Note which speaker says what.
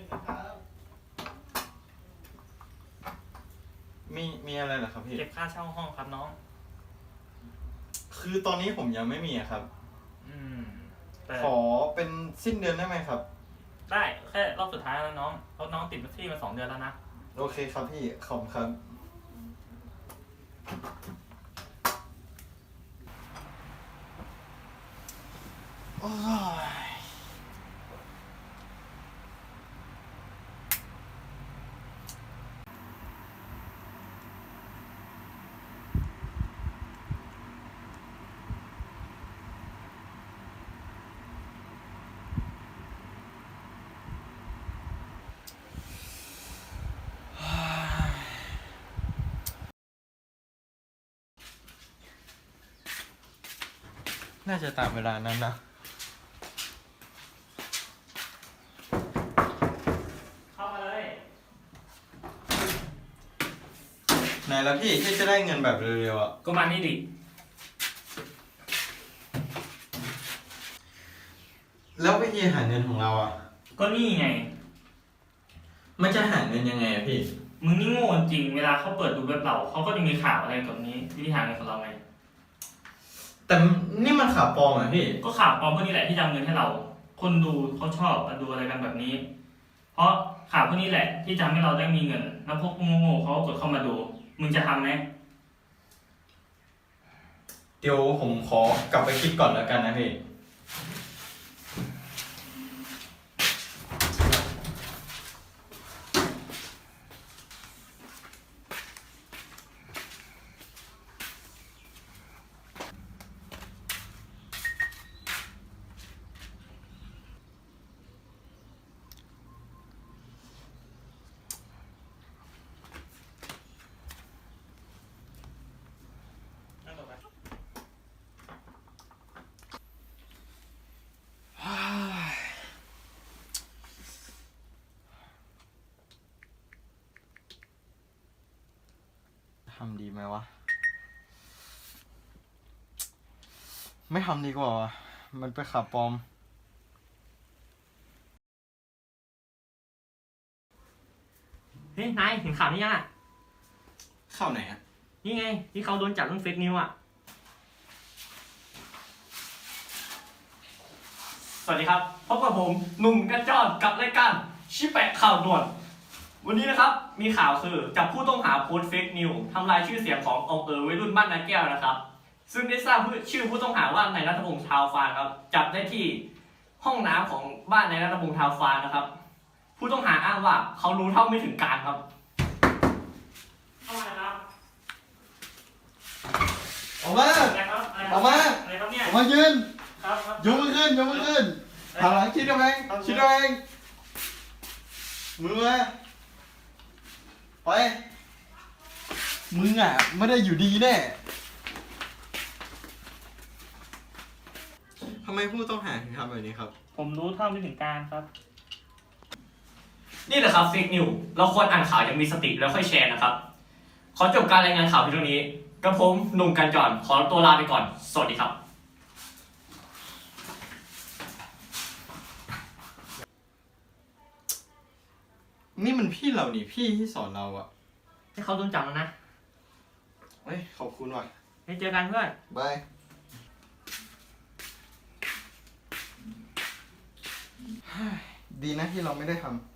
Speaker 1: มีอะไรเหรอครับพี่
Speaker 2: เก็บค่าเช่าห้องครับน้อง
Speaker 1: คือตอนนี้ผมยังไม่มีอะครับ
Speaker 2: แต่
Speaker 1: ขอเป็นสิ้นเดือนได้ไหมครับ
Speaker 2: ได้แค่รอบสุดท้ายแล้วน้องเพราะน้องติดที่มา2 เดือนแล้วนะ
Speaker 1: โอเคครับพี่ ขอบคุณครับโอ้ยน่าจะตามเวลานั้นนะ
Speaker 2: เข้ามาเลย
Speaker 1: ไหนแล้วพี่ที่จะได้เงินแบบเร็วๆอ่ะ
Speaker 2: ก็มานี่ดิ
Speaker 1: แล้ววิธีหาเงินของเราอ่ะ
Speaker 2: ก็นี่ไง
Speaker 1: มันจะหาเงินยังไงอะพี่
Speaker 2: มึงนี่โง่จริงเวลาเขาเปิดดูเว็บเราเขาก็จะมีข่าวอะไรแบบนี้วิธีหาเงินของเราไง
Speaker 1: แต่นี่มันข่าวปลอมอ่ะพี่
Speaker 2: ก็ข่าวปลอมพวกนี้แหละที่จะเอาเงินให้เรา คนดูเขาชอบดูอะไรกันแบบนี้ เพราะข่าวพวกนี้แหละที่จะทำให้เราได้มีเงิน แล้วพวกโง่ๆเขาก็กดเข้ามาดู มึงจะทำไหม
Speaker 1: เดี๋ยวผมขอกลับไปคิดก่อนแล้วกันนะพี่ ทำดีไหมวะ ไม่ทำดีกว่าวะมันเป็นข่าวปลอม
Speaker 2: เฮ้ยนายเห็นข่าวนี้ยังอ่ะ
Speaker 1: ข่าวไหนอ่ะ
Speaker 2: นี่ไงที่เขาโดนจับเรื่องเฟกนิวอ่ะ สวัสดีครับพบกับผมหนุ่มกระจอกกับรายการชิแปะข่าวด่วน วันนี้นะครับมีข่าวคือจับผู้ต้องหาโพสต์เฟกนิวทำลายชื่อเสียงขององค์วัยรุ่นบ้านนาแก้วนะครับ ซึ่งได้ทราบชื่อผู้ต้องหาว่านายรัฐพงษ์ชาวฟานครับจับได้ที่ห้องน้ำของบ้านนายรัฐพงษ์ชาวฟานนะครับ ผู้ต้องหาอ้างว่าเขารู้เท่าไม่ถึงการครับเข้ามาครับ
Speaker 1: ออกมา
Speaker 2: อะไรครับ
Speaker 1: ออกมา
Speaker 2: อะไรครับเนี่ย
Speaker 1: ออกมายืน
Speaker 2: ครับครับ
Speaker 1: ยกมือขึ้น ยกมือขึ้นหันหลังคิดเอาเองคิดเอาเองมือมาไป มึงอ่ะ ไม่ได้อยู่ดีแน่ทำไมผู้ต้องหาถึงทำแบบนี้ครับ
Speaker 2: ผมรู้เท่าไม่ถึงการครับ
Speaker 3: นี่แหละครับเฟกนิวเราควรอ่านข่าวอย่างมีสติแล้วค่อยแชร์นะครับ ขอจบการรายงานข่าวเพียงเท่านี้กระผมหนุ่มกันจรขอตัวลาไปก่อน สวัสดีครับ
Speaker 1: นี่มันพี่เรานี่พี่ที่สอนเราอะ
Speaker 2: ให้เขาโดนจับแล้วนะ
Speaker 1: เฮ้ย ขอบคุณว่ะ
Speaker 2: ให้เจอกันเพื่อน
Speaker 1: บาย ดีนะที่เราไม่ได้ทำ